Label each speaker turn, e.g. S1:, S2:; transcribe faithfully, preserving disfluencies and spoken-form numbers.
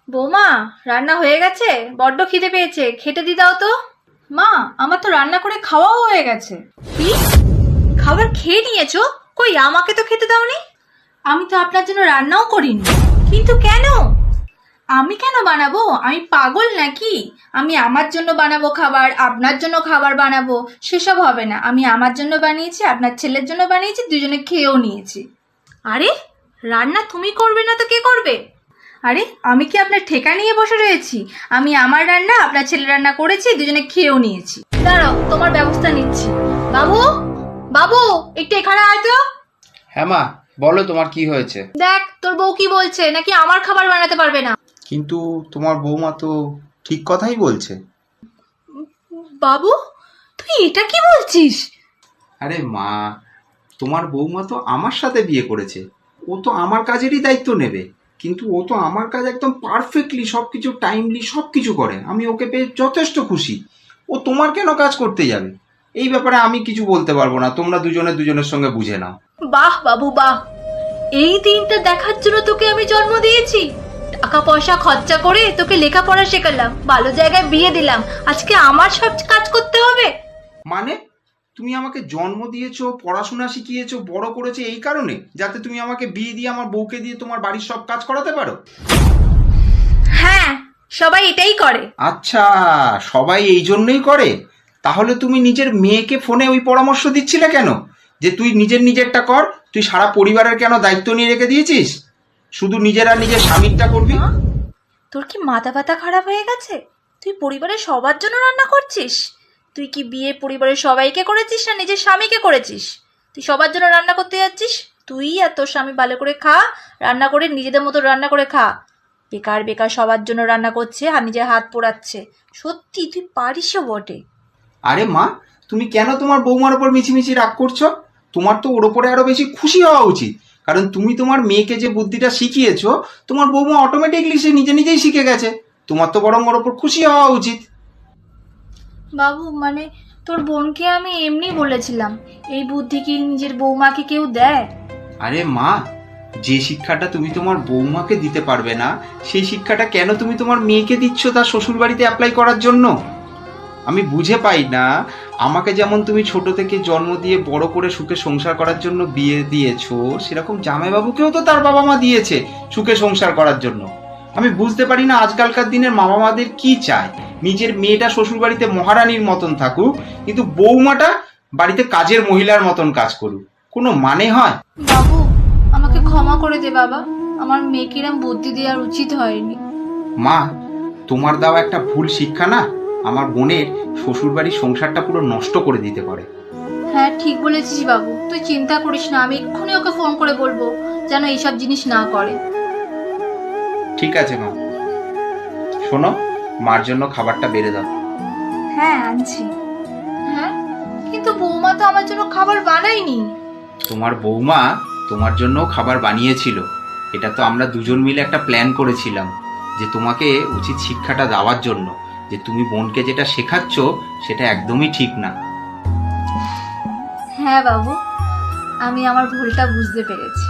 S1: বৌমা, রান্না হয়ে গেছে? বড্ড খিদে পেয়েছে, খেতে দি দাও তো। মা, আমার তো রান্না করে খাওয়াও হয়ে গেছে। কি? খাবার খেয়ে নিয়েছো? কই, আমাকে তো খেতে দাওনি। আমি তো আপনার জন্য রান্নাও করিনি। কিন্তু কেন? আমি কেন বানাবো? আমি পাগল নাকি? আমি আমার জন্য বানাবো খাবার, আপনার জন্য খাবার বানাবো, সেসব হবে না। আমি আমার জন্য বানিয়েছি, আপনার ছেলের জন্য বানিয়েছি, দুজনে খেয়েও নিয়েছি। আরে, রান্না তুমি করবে না তো কে করবে? আরে, আমি কি আপনার ঠেকা নিয়ে বসে রয়েছি? আমি আমার রান্না, আপনার ছেলে রান্না করেছি, দুজনে খেয়েও নিয়েছি। দাঁড়াও, তোমার ব্যবস্থা নিচ্ছি। বাবু, বাবু, একটু এখানে আয় তো।
S2: হ্যাঁ মা, বলো তোমার কি হয়েছে?
S1: দেখ তোর বউ কি বলছে, নাকি আমার খাবার বানাতে পারবে না।
S2: কিন্তু তোমার বৌমা তো ঠিক কথাই বলছে।
S1: বাবু, তুই এটা কি বলছিস?
S2: আরে মা, তোমার বৌমা তো আমার সাথে বিয়ে করেছে, ও তো আমার কাজেরই দায়িত্ব নেবে। কিন্তু ও তো আমার কাজ একদম পারফেক্টলি সবকিছু টাইমলি সবকিছু করে, আমি ওকে পেয়ে যথেষ্ট খুশি। ও তোমার কেন কাজ করতে যাবে? এই ব্যাপারে আমি কিছু বলতে পারবো না, তোমরা দুজনে দুজনের সঙ্গে বুঝে নাও।
S1: বাহ বাবু বাহ, এই দিনটা দেখার জন্য তোকে আমি জন্ম দিয়েছি। টাকা পয়সা খরচা করে তোকে লেখাপড়া শেখালাম, ভালো জায়গায় বিয়ে দিলাম, আজকে আমার সব কাজ করতে হবে?
S2: মানে তুমি আমাকে জন্ম দিয়েছো, পড়াশোনা শিখিয়েছো, বড় করেছো এই কারণে যাতে তুমি আমাকে বিয়ে দিয়ে আমার বউকে দিয়ে তোমার বাড়ির সব কাজ করাতে পারো?
S1: হ্যাঁ, সবাই এটাই করে।
S2: আচ্ছা, সবাই এই জন্যই করে। তাহলে তুমি নিজের মেয়েকে ফোনে ওই পরামর্শ দিচ্ছিলে কেন যে তুই নিজের নিজেরটা কর? তুই সারা পরিবারের কেন দায়িত্ব নিয়ে রেখে দিয়েছিস? শুধু নিজের আর নিজের স্বামীরটা করবি?
S1: মা, তোর কি মাথা ব্যথা খারাপ হয়ে গেছে? তুই পরিবারের সবার জন্য রান্না করছিস? তুই কি বিয়ে পরিবারের সবাইকে করেছিস না নিজের স্বামীকে করেছিস? তুই সবার জন্য রান্না করতে যাচ্ছিস? তুই আর তোর স্বামী ভালো করে খা, রান্না করে নিজেদের মতো রান্না করে খা। বেকার বেকার সবার জন্য রান্না করছে আর নিজের হাত পোড়াচ্ছে। সত্যি তুই পারিসও বটে।
S2: আরে মা, তুমি কেন তোমার বৌমার ওপর মিছিমিছি রাগ করছো? তোমার তো ওর ওপরে আরো বেশি খুশি হওয়া উচিত, কারণ তুমি তোমার মেয়েকে যে বুদ্ধিটা শিখিয়েছো, তোমার বৌমা অটোমেটিকলি সে নিজে নিজেই শিখে গেছে। তোমার তো বরং ওর ওপর খুশি হওয়া উচিত।
S1: বাবু, মানে তোর বোনকে আমি এমনি বলেছিলাম, এই বুদ্ধি কি নিজের বৌমাকে কেউ দেয়?
S2: আরে মা, যে শিক্ষাটা তুমি তোমার বৌমাকে দিতে পারবে না, সেই শিক্ষাটা কেন তুমি তোমার মেয়েকে দিচ্ছ তার শ্বশুর বাড়িতে অ্যাপ্লাই করার জন্য? আমি বুঝে পাই না। আমাকে যেমন তুমি ছোট থেকে জন্ম দিয়ে বড় করে সুখে সংসার করার জন্য বিয়ে দিয়েছো, সেরকম জামাইবাবুকেও তো তার বাবা মা দিয়েছে সুখে সংসার করার জন্য। আমি বুঝতে পারি না আজকালকার দিনের বাবা মাদের কি চায়। নিজের মেয়েটা শ্বশুর বাড়িতে মহারানীর মতন থাকুক, কিন্তু বৌমাটা বাড়িতে কাজের মহিলার মতন কাজ করুক। কোনো মানে হয়?
S1: বাবু, আমাকে ক্ষমা করে দে বাবা, আমার মেয়েকে এরম বুদ্ধি দেওয়ার উচিত হয়নি।
S2: মা, তোমার দেওয়া একটা ভুল শিক্ষা না আমার বোনের শ্বশুর বাড়ির সংসারটা পুরো নষ্ট করে দিতে পারে।
S1: হ্যাঁ, ঠিক বলেছিস বাবু, তুই চিন্তা করিস না, আমি এক্ষুনি ওকে ফোন করে বলবো যেন এইসব জিনিস না করে।
S2: ঠিক আছে মা, শোনো, মার জন্য খাবারটা বেড়ে দাও।
S1: হ্যাঁ, আনছি। হ্যাঁ, কিন্তু বৌমা তো আমার জন্য খাবার বানায়নি।
S2: তোমার বৌমা তোমার জন্য খাবার বানিয়েছিল। এটা তো আমরা দুজন মিলে একটা প্ল্যান করেছিলাম যে তোমাকে উচিত শিক্ষাটা দেওয়ার জন্য, যে তুমি বোনকে যেটা শেখাচ্ছ সেটা একদমই ঠিক না।
S1: হ্যাঁ বাবু, আমি আমার ভুলটা বুঝতে পেরেছি।